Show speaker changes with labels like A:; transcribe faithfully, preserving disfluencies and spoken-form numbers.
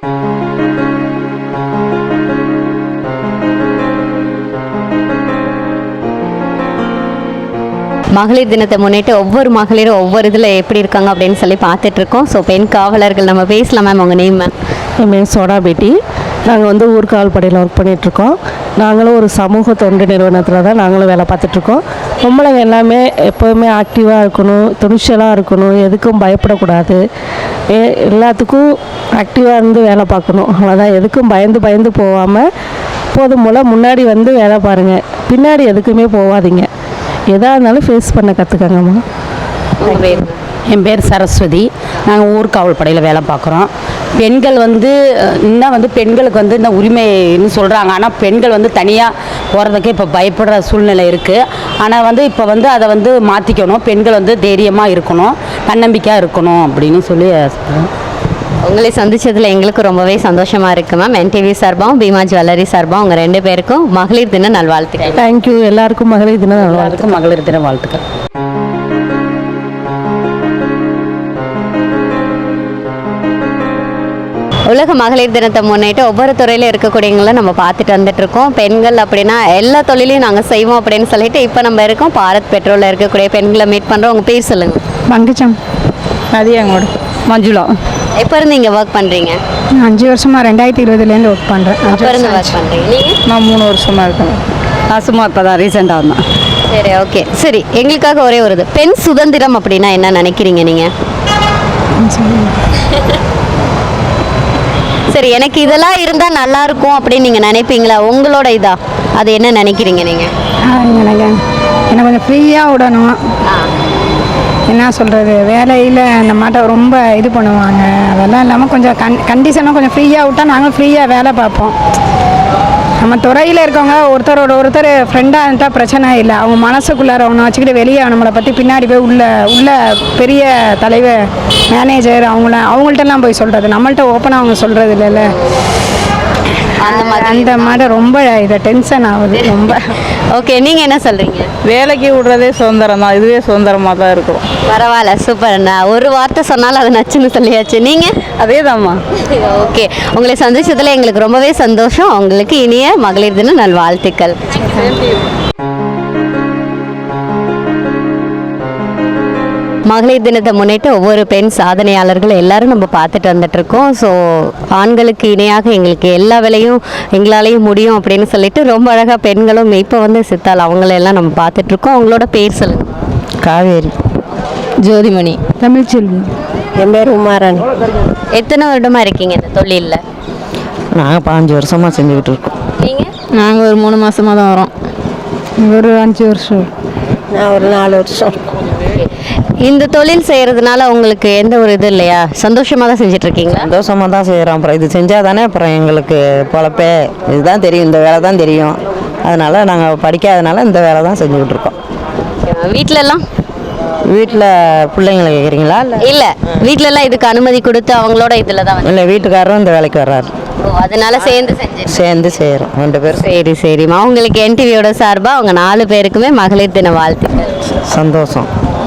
A: மகளிர் தினத்தை முன்னிட்டு ஒவ்வொரு மகளிரும் ஒவ்வொரு இதில் எப்படி இருக்காங்க அப்படின்னு சொல்லி பார்த்துட்ருக்கோம். ஸோ பெண் காவலர்கள் நம்ம பேசலாம். மேம் உங்கள் நேம்? மேம்
B: என் பேர் சோடா பேட்டி. நாங்கள் வந்து ஊர்காவல் படையில் ஒர்க் பண்ணிகிட்ருக்கோம். நாங்களும் ஒரு சமூக தொண்டு நிறுவனத்தில் தான் நாங்களும் வேலை பார்த்துட்ருக்கோம். பொம்பளைங்க எல்லாமே எப்போவுமே ஆக்டிவாக இருக்கணும், துணிச்சலாக இருக்கணும், எதுக்கும் பயப்படக்கூடாது, ஏ எல்லாத்துக்கும் ஆக்டிவாக இருந்து வேலை பார்க்கணும். அவ்வளோதான். எதுக்கும் பயந்து பயந்து போகாமல் போதும் போல் முன்னாடி வந்து வேலை பாருங்கள், பின்னாடி எதுக்குமே போகாதீங்க. எதாக இருந்தாலும் ஃபேஸ் பண்ண கற்றுக்கங்கம்மா.
C: என் பேர் சரஸ்வதி. நாங்கள் ஊர்காவல் படையில் வேலை பார்க்குறோம். பெண்கள் வந்து இன்னும் வந்து பெண்களுக்கு வந்து இந்த உரிமைன்னு சொல்கிறாங்க. ஆனால் பெண்கள் வந்து தனியாக போகிறதுக்கு இப்போ பயப்படுற சூழ்நிலை இருக்குது. ஆனால் வந்து இப்போ வந்து அதை வந்து மாற்றிக்கணும். பெண்கள் வந்து தைரியமாக இருக்கணும், தன்னம்பிக்கையாக இருக்கணும் அப்படின்னு சொல்லி
A: உங்களை சந்திச்சதில் எங்களுக்கு ரொம்பவே சந்தோஷமாக இருக்குது மேம். என்டிவி சார்பாகவும் பீமா ஜுவல்லரி சார்பாகவும் உங்கள் ரெண்டு பேருக்கும் மகளிர் தின நல்வாழ்த்துக்கள்.
B: தேங்க்யூ. எல்லாருக்கும் மகளிர் தின நல்வாழ்த்துக்கள்.
C: மகளிர் தின வாழ்த்துக்கள்.
A: உலக மகளிர் தினத்தை முன்னிட்டு ஒவ்வொரு துறையிலும் இருக்கக்கூடியவங்களும் நம்ம பார்த்துட்டு வந்துட்டு இருக்கோம். பெண்கள் அப்படின்னா எல்லா தொழிலையும் நாங்கள் செய்வோம் அப்படின்னு சொல்லிட்டு இப்போ நம்ம இருக்கோம் பாரத் பெட்ரோலில் இருக்கக்கூடிய பெண்களை மீட் பண்ணுறோம். உங்கள் பேர் சொல்லுங்கள்.
D: பங்குச்சம்
B: மதியங்கோடு
D: மஞ்சுளா.
A: எப்போ இருந்து இங்கே ஒர்க் பண்ணுறீங்க?
D: அஞ்சு வருஷமாக ரெண்டாயிரத்தி இருபதுலேருந்து ஒர்க் பண்ணுறேன்.
A: எப்போ இருந்து ஒர்க் பண்ணுறீங்க நீங்கள்?
B: நான் மூணு வருஷமாக இருக்கேன்.
D: நான் சும்மா இப்போ தான் ரீசெண்டாக வந்தேன்.
A: சரி, ஓகே. சரி, எங்களுக்காக ஒரே ஒரு இது, பெண் சுதந்திரம் அப்படின்னா என்ன நினைக்கிறீங்க நீங்கள்? சரி, எனக்கு இதெல்லாம் இருந்தால் நல்லா இருக்கும் அப்படின்னு நீங்கள் நினைப்பீங்களா? உங்களோட இதா அது என்ன நினைக்கிறீங்க நீங்கள்?
D: எனக்கு என்னை கொஞ்சம் ஃப்ரீயாக விடணும். என்ன சொல்கிறது, வேலையில் அந்த மாட்ட ரொம்ப இது பண்ணுவாங்க. அதெல்லாம் இல்லாமல் கொஞ்சம் கண் கண்டிஷனாக கொஞ்சம் ஃப்ரீயாக விட்டால் நாங்களும் ஃப்ரீயாக வேலை பார்ப்போம். நம்ம துறையில் இருக்கவங்க ஒருத்தரோட ஒருத்தர் ஃப்ரெண்டாக இருந்தால் பிரச்சனை இல்லை. அவங்க மனசுக்குள்ளார ஒன்று வச்சுக்கிட்டு வெளியே நம்மளை பற்றி பின்னாடி போய் உள்ள உள்ள பெரிய தலைவர் மேனேஜர் அவங்கள அவங்கள்ட்டலாம் போய் சொல்கிறது, நம்மள்ட்ட ஓப்பனாக அவங்க சொல்கிறது இல்லைல்ல.
A: அந்த மாதிரி
D: அந்த மாதிரி ரொம்ப இதை டென்ஷன் ஆகுது ரொம்ப.
A: ஓகே, நீங்கள் என்ன சொல்கிறீங்க?
B: வேலைக்கு விடுறதே சுதந்திரம் தான், இதுவே சுதந்திரமாக தான் இருக்கும்.
A: பரவாயில்ல, சூப்பர். நான் ஒரு வார்த்தை சொன்னாலும் அது நச்சுன்னு சொல்லியாச்சு. நீங்கள்?
B: அதே தான்மா.
A: ஓகே, உங்களை சந்திச்சதில் எங்களுக்கு ரொம்பவே சந்தோஷம். உங்களுக்கு இனிய மகளிர் தின நல்வாழ்த்துக்கள். மகளிர் தினத்தை முன்னிட்டு ஒவ்வொரு பெண் சாதனையாளர்கள் எல்லாரும் நம்ம பார்த்துட்டு வந்துட்ருக்கோம். ஸோ ஆண்களுக்கு இணையாக எங்களுக்கு எல்லா வேலையும் எங்களாலேயும் முடியும் அப்படின்னு சொல்லிட்டு ரொம்ப அழகாக பெண்களும் இப்போ வந்து சித்தால் அவங்களெல்லாம் நம்ம பார்த்துட்ருக்கோம். அவங்களோட பேர் சொல்லுங்கள்.
B: காவேரி.
D: ஜோதிமணி. தமிழ்ச்செல்வி.
B: என் பேர் உமாராணி.
A: எத்தனை வருடமாக இருக்கீங்க இந்த தொழிலில்?
B: நாங்கள் பாஞ்சு வருஷமாக செஞ்சுக்கிட்டு இருக்கோம்.
A: நீங்கள்?
D: நாங்கள் ஒரு மூணு மாதமாக தான் வரோம். ஒரு அஞ்சு வருஷம்.
B: நான் ஒரு நாலு வருஷம்.
A: இந்த தொழில் செய்கிறதுனால உங்களுக்கு எந்த ஒரு இது இல்லையா? சந்தோஷமாக தான் செஞ்சிட்ருக்கீங்களா?
B: சந்தோஷமாக தான் செய்கிறோம். அப்புறம் இது செஞ்சால் தானே அப்புறம் எங்களுக்கு பொழப்பே. இதுதான் தெரியும், இந்த வேலை தான் தெரியும். அதனால் நாங்கள் படிக்காதனால இந்த வேலை தான் செஞ்சுக்கிட்டு இருக்கோம்.
A: வீட்டிலலாம்?
B: வீட்டில் பிள்ளைங்களை கேட்குறீங்களா? இல்லை
A: இல்லை, வீட்டிலலாம் இதுக்கு அனுமதி கொடுத்து அவங்களோட இதில் தான் வந்து.
B: இல்லை, வீட்டுக்காரரும் இந்த வேலைக்கு வர்றாரு.
A: ஓ, அதனால சேர்ந்து செஞ்சு
B: சேர்ந்து செய்கிறோம் ரெண்டு பேரும்.
A: சரி சரிம்மா, உங்களுக்கு என்டிவியோட சார்பாக அவங்க நாலு பேருக்குமே மகளிர் தின வாழ்த்துக்கள்.
B: சந்தோஷம்.